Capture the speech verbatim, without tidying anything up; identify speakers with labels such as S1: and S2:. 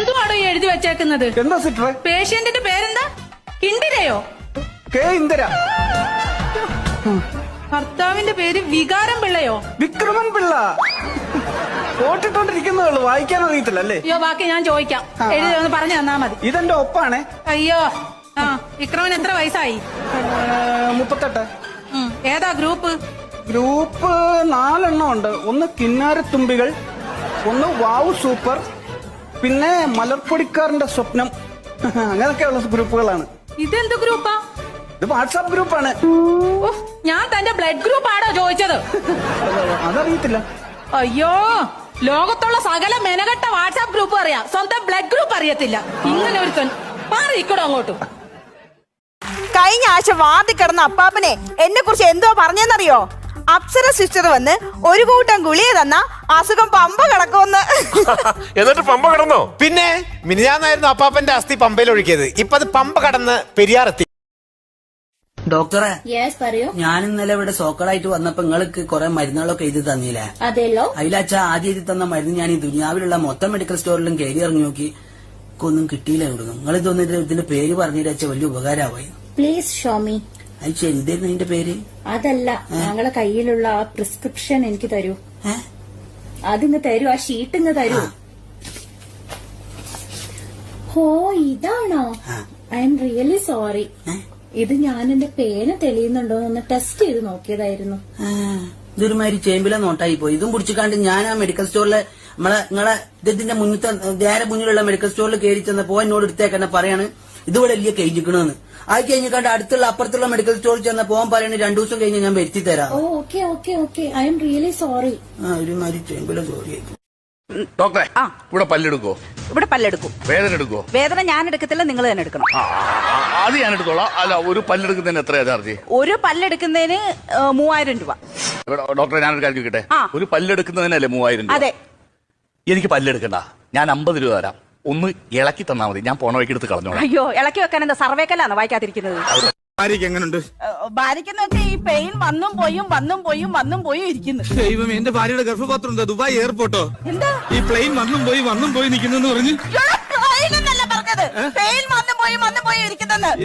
S1: ഇതെന്തുവാണോ ഈ എഴുതി വെച്ചേക്കുന്നത്?
S2: എന്താ സിസ്റ്ററെ?
S1: പേഷ്യന്റിന്റെ പേരെന്താ? ഇന്ദിരയോ?
S2: കെ ഇന്ദിര.
S1: ഭർത്താവിന്റെ പേര് വികാരം പിള്ളയോ?
S2: വിക്രമൻ പിള്ള. ഓട്ടിട്ടോണ്ടിരിക്കുന്നേ ഉള്ളൂ, വായിക്കാൻ അറിയത്തില്ല അല്ലേ?
S1: അയ്യോ ബാക്കി ഞാൻ ചോദിക്കാം, എഴുതി ഒന്ന് പറഞ്ഞു തന്നാ മതി.
S2: ഇതെന്റെ ഒപ്പാണേ.
S1: അയ്യോ ആ വിക്രമൻ എത്ര വയസ്സായി?
S2: മുപ്പത്തെട്ട്.
S1: ഏതാ ഗ്രൂപ്പ്?
S2: ഗ്രൂപ്പ് നാലെണ്ണം ഉണ്ട്. ഒന്ന് കിന്നാരത്തുമ്പികൾ, ഒന്ന് വാവ് സൂപ്പർ, പിന്നെ മലർപ്പൊടിക്കാരന്റെ സ്വപ്നം, അങ്ങനെയൊക്കെയുള്ള ഗ്രൂപ്പുകളാണ്.
S1: ഇതെന്ത് ഗ്രൂപ്പാ?
S2: ഇത് വാട്സാപ്പ് ഗ്രൂപ്പാണ്.
S1: ഞാൻ തന്റെ ബ്ലഡ് ഗ്രൂപ്പ് ആണോ ചോദിച്ചത്?
S2: അതറിയത്തില്ല.
S1: അയ്യോ ലോകത്തുള്ള സകല മെനകെട്ട വാട്സാപ്പ് ഗ്രൂപ്പ് അറിയാം, സ്വന്തം ബ്ലഡ് ഗ്രൂപ്പ് അറിയത്തില്ല. ഇങ്ങനെ ഒരുത്തൻ മാറിയിക്കടോ അങ്ങോട്ടും.
S3: കഴിഞ്ഞ ആഴ്ച വാതി കിടന്ന അപ്പാപ്പനെ എന്നെ കുറിച്ച് എന്തോ പറഞ്ഞെന്നറിയോ? അപ്സര സിസ്റ്റർ വന്ന് ഒരു കൂട്ടം ഗുളിക തന്ന അസുഖം പമ്പ കിടക്കുമെന്ന്.
S4: എന്നിട്ട് പമ്പ കടന്നോ?
S5: പിന്നെ മിനിഞ്ഞാന്നായിരുന്നു അപ്പാപ്പന്റെ അസ്ഥി പമ്പയിൽ ഒഴുക്കിയത്. ഇപ്പൊ അത് പമ്പ കടന്ന് പെരിയാറെത്തി.
S6: ഡോക്ടറെ,
S7: യെസ് പറയൂ.
S6: ഞാൻ ഇന്നലെ ഇവിടെ സോക്കറായിട്ട് വന്നപ്പോ നിങ്ങൾക്ക് കുറെ മരുന്നുകളൊക്കെ എഴുതി തന്നില്ലേ?
S7: അതെല്ലോ.
S6: അതിലച്ച ആദ്യം എഴുതി തന്ന മരുന്ന് ഞാൻ ഈ ദുനിയാവിലുള്ള മൊത്തം മെഡിക്കൽ സ്റ്റോറിലും കയറി ഇറങ്ങി നോക്കി, ഒന്നും കിട്ടിയില്ല. ഇവിടുന്ന് നിങ്ങൾ ഇതൊന്നിട്ട് ഇതിന്റെ പേര് പറഞ്ഞിട്ട് വലിയ ഉപകാരമായി.
S7: Please show me.
S6: അത് ശരി, ഇതായിരുന്നു അതിന്റെ പേര്?
S7: അതല്ല, ഞങ്ങളെ കയ്യിലുള്ള ആ പ്രിസ്ക്രിപ്ഷൻ എനിക്ക് തരൂ. അതിങ്ങ് തരൂ, ആ ഷീറ്റ് ഇങ്ങ് തരൂ. ഓ ഇതാണോ? I'm really sorry. ഇത് ഞാൻ എന്റെ പേര് തെളിയുന്നുണ്ടോ എന്ന് ടെസ്റ്റ് ചെയ്ത് നോക്കിയതായിരുന്നു.
S6: ഇതൊരുമാതിരി ചേമ്പില നോട്ടായി പോയി. ഇതും പിടിച്ചിക്കാണ്ട് ഞാൻ ആ മെഡിക്കൽ സ്റ്റോറിലെ നമ്മളെ നിങ്ങളെ ഇതിന്റെ മുന്നത്തെ നേരെ മുന്നിലുള്ള മെഡിക്കൽ സ്റ്റോറിൽ കയറി ചെന്നപ്പോ എന്നോട് എടുത്തേക്കെന്നെ പറയാണ് ഇതുപോലെ വലിയ കഴിഞ്ഞിക്കണെന്ന്. അത് കഴിഞ്ഞിക്കാണ്ട് അടുത്തുള്ള അപ്പുറത്തുള്ള മെഡിക്കൽ സ്റ്റോറിൽ ചെന്ന പോകാൻ പറയണ രണ്ടു ദിവസം കഴിഞ്ഞ് ഞാൻ വരുത്തി തരാം.
S7: ഓ okay okay okay I'm really sorry.
S6: ആ ഒരുമാതിരി ചേമ്പില സോറി.
S4: ഡോക്ടറെ, ഇവിടെ പല്ലെടുക്കോ?
S3: ഇവിടെ പല്ലെടുക്കും.
S4: വേദന എടുക്കോ?
S3: വേദന ഞാൻ എടുക്കത്തില്ല, നിങ്ങൾ തന്നെ എടുക്കണം.
S4: അത് ഞാൻ എടുത്തോളാം. അല്ല, ഒരു പല്ലെടുക്കുന്നതിന് എത്രയാ ചാർജ്?
S3: ഒരു പല്ലെടുക്കുന്നതിന് മൂവായിരം രൂപ.
S4: ഡോക്ടറെ, ഞാനൊരു കാര്യം ചോദിക്കട്ടെ? ഒരു പല്ലെടുക്കുന്നതിനല്ലേ മൂവായിരം രൂപ?
S3: അതെ.
S4: എനിക്ക് പല്ലെടുക്കണ്ട, ഞാൻ അമ്പത് രൂപ തരാം. ഒന്ന് ഇളക്കി തന്നാ മതി, ഞാൻ പോണ വഴിക്ക് എടുത്ത് കളഞ്ഞോളാം.
S3: അയ്യോ ഇളക്കി വെക്കാൻ എന്താ സർവേക്കല്ലാണോ വായിക്കാതിരിക്കുന്നത്?
S5: എങ്ങനെയുണ്ട്
S3: ഭാര്യക്കെന്ന് വെച്ചാൽ ഈ പെയിൻ വന്നും പോയും വന്നും പോയും വന്നും പോയും ഇരിക്കുന്നു.
S8: ദൈവം, എന്റെ ഭാര്യയുടെ ഗർഭപാത്രം എന്താ ദുബായ് എയർപോർട്ടോ?
S3: എന്താ
S8: ഈ പ്ലെയിൻ വന്നും പോയി വന്നും പോയി നിൽക്കുന്നെന്ന് പറഞ്ഞു.
S3: പറഞ്ഞത് പെയിൻ വന്നും പോയും വന്നും പോയും ഇരിക്കുന്നെന്ന്.